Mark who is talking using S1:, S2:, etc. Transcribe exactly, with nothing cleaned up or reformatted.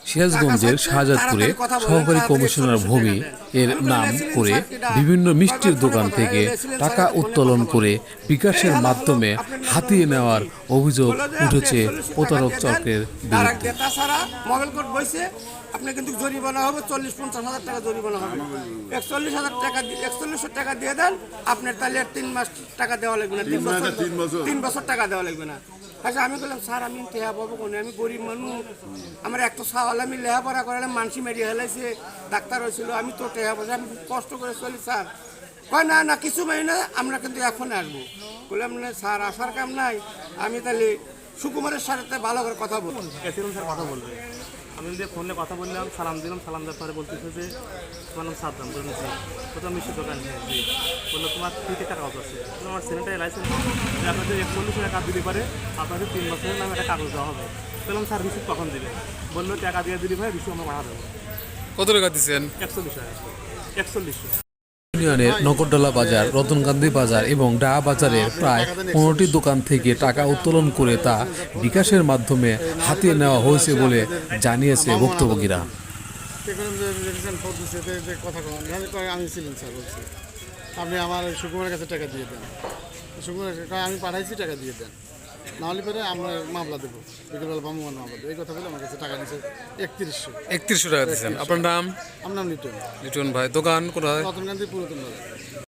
S1: সিরাজগঞ্জের শাহজাদপুরে সহকারী কমিশনার ভূমি এর নাম করে বিভিন্ন মিষ্টির দোকান থেকে টাকা উত্তোলন করে বিকাশের মাধ্যমে হাতিয়ে নেওয়ার অভিযোগ উঠেছে প্রতারক চক্রের বিরুদ্ধে।
S2: আপনি কিন্তু জরিমানা হবে চল্লিশ পঞ্চাশ হাজার টাকা জরিমানা হবে। একচল্লিশ হাজার টাকা একচল্লিশশো টাকা দিয়ে দেন, আপনার তাহলে তিন মাস টাকা দেওয়া লাগবে না, তিন বছর তিন বছর টাকা দেওয়া লাগবে না। আচ্ছা আমি বললাম স্যার আমি টেহা পাবো কোনে, আমি গরিব মানুষ, আমার একটা সাওয়াল আমি লেখাপড়া করালাম, মানসি মেরিয়ে হেলাইছে, ডাক্তার হয়েছিল, আমি তো টেহা পাবো, আমি কষ্ট করে চলি স্যার। কয় না না কিছু মাই না, আমরা কিন্তু এখন আসবো। বললাম না স্যার আসার কাম নাই, আমি তাহলে সুকুমারের সাথে ভালো করে কথা বলবো।
S3: স্যার কথা বলবে, আমি যে ফোনে কথা বললাম, সালাম দিলাম, সালাম দেওয়ার পরে বলতেছে যে তোমার নাম সাদ্দাম, বলতেছি কোথাও মিষ্টির দোকান জি বললো তোমার ফ্রিতে টাকা কাগজ আছে, আমার সেনেটারি লাইসেন্স আপনাদের একচল্লিশ টাকা দিতে পারে, আপনাদের তিন বছরের নামে একটা কাগজ দেওয়া হবে। বললাম স্যার রিসিভ কখন দিবে? বললো টাকা দিয়ে দিলি ভাই, রিসিভ আমরা পাঠা দেবো।
S1: কত টাকা দিচ্ছেন?
S3: একচল্লিশ টাকা একচল্লিশশো
S1: ইউনিয়নের নগরডালা বাজার, রতনকান্দি বাজার এবং ডাহা বাজারের প্রায় পনেরোটি দোকান থেকে টাকা উত্তোলন করে তা বিকাশের মাধ্যমে হাতিয়ে নেওয়া হয়েছে বলে জানিয়েছে ভুক্তভোগীরা।
S4: আপনি আমার সুকুমারের কাছে টাকা দিয়ে দেন, সুকুমার আমি পাঠাইছি টাকা দিয়ে দেন, নাহলে পরে আমরা মামলা দেবো, বিকেলবেলা ভ্রাম্যমাণ মামলা দেবো। এই কথা বলে আমার কাছে টাকা নিচ্ছে একত্রিশশো
S1: একত্রিশশো টাকা দিচ্ছেন। আপনার নাম?
S4: আমার নাম লিটন।
S1: লিটন ভাই, দোকান কোথায়?
S4: রতনকান্দি পুরাতন বাজার।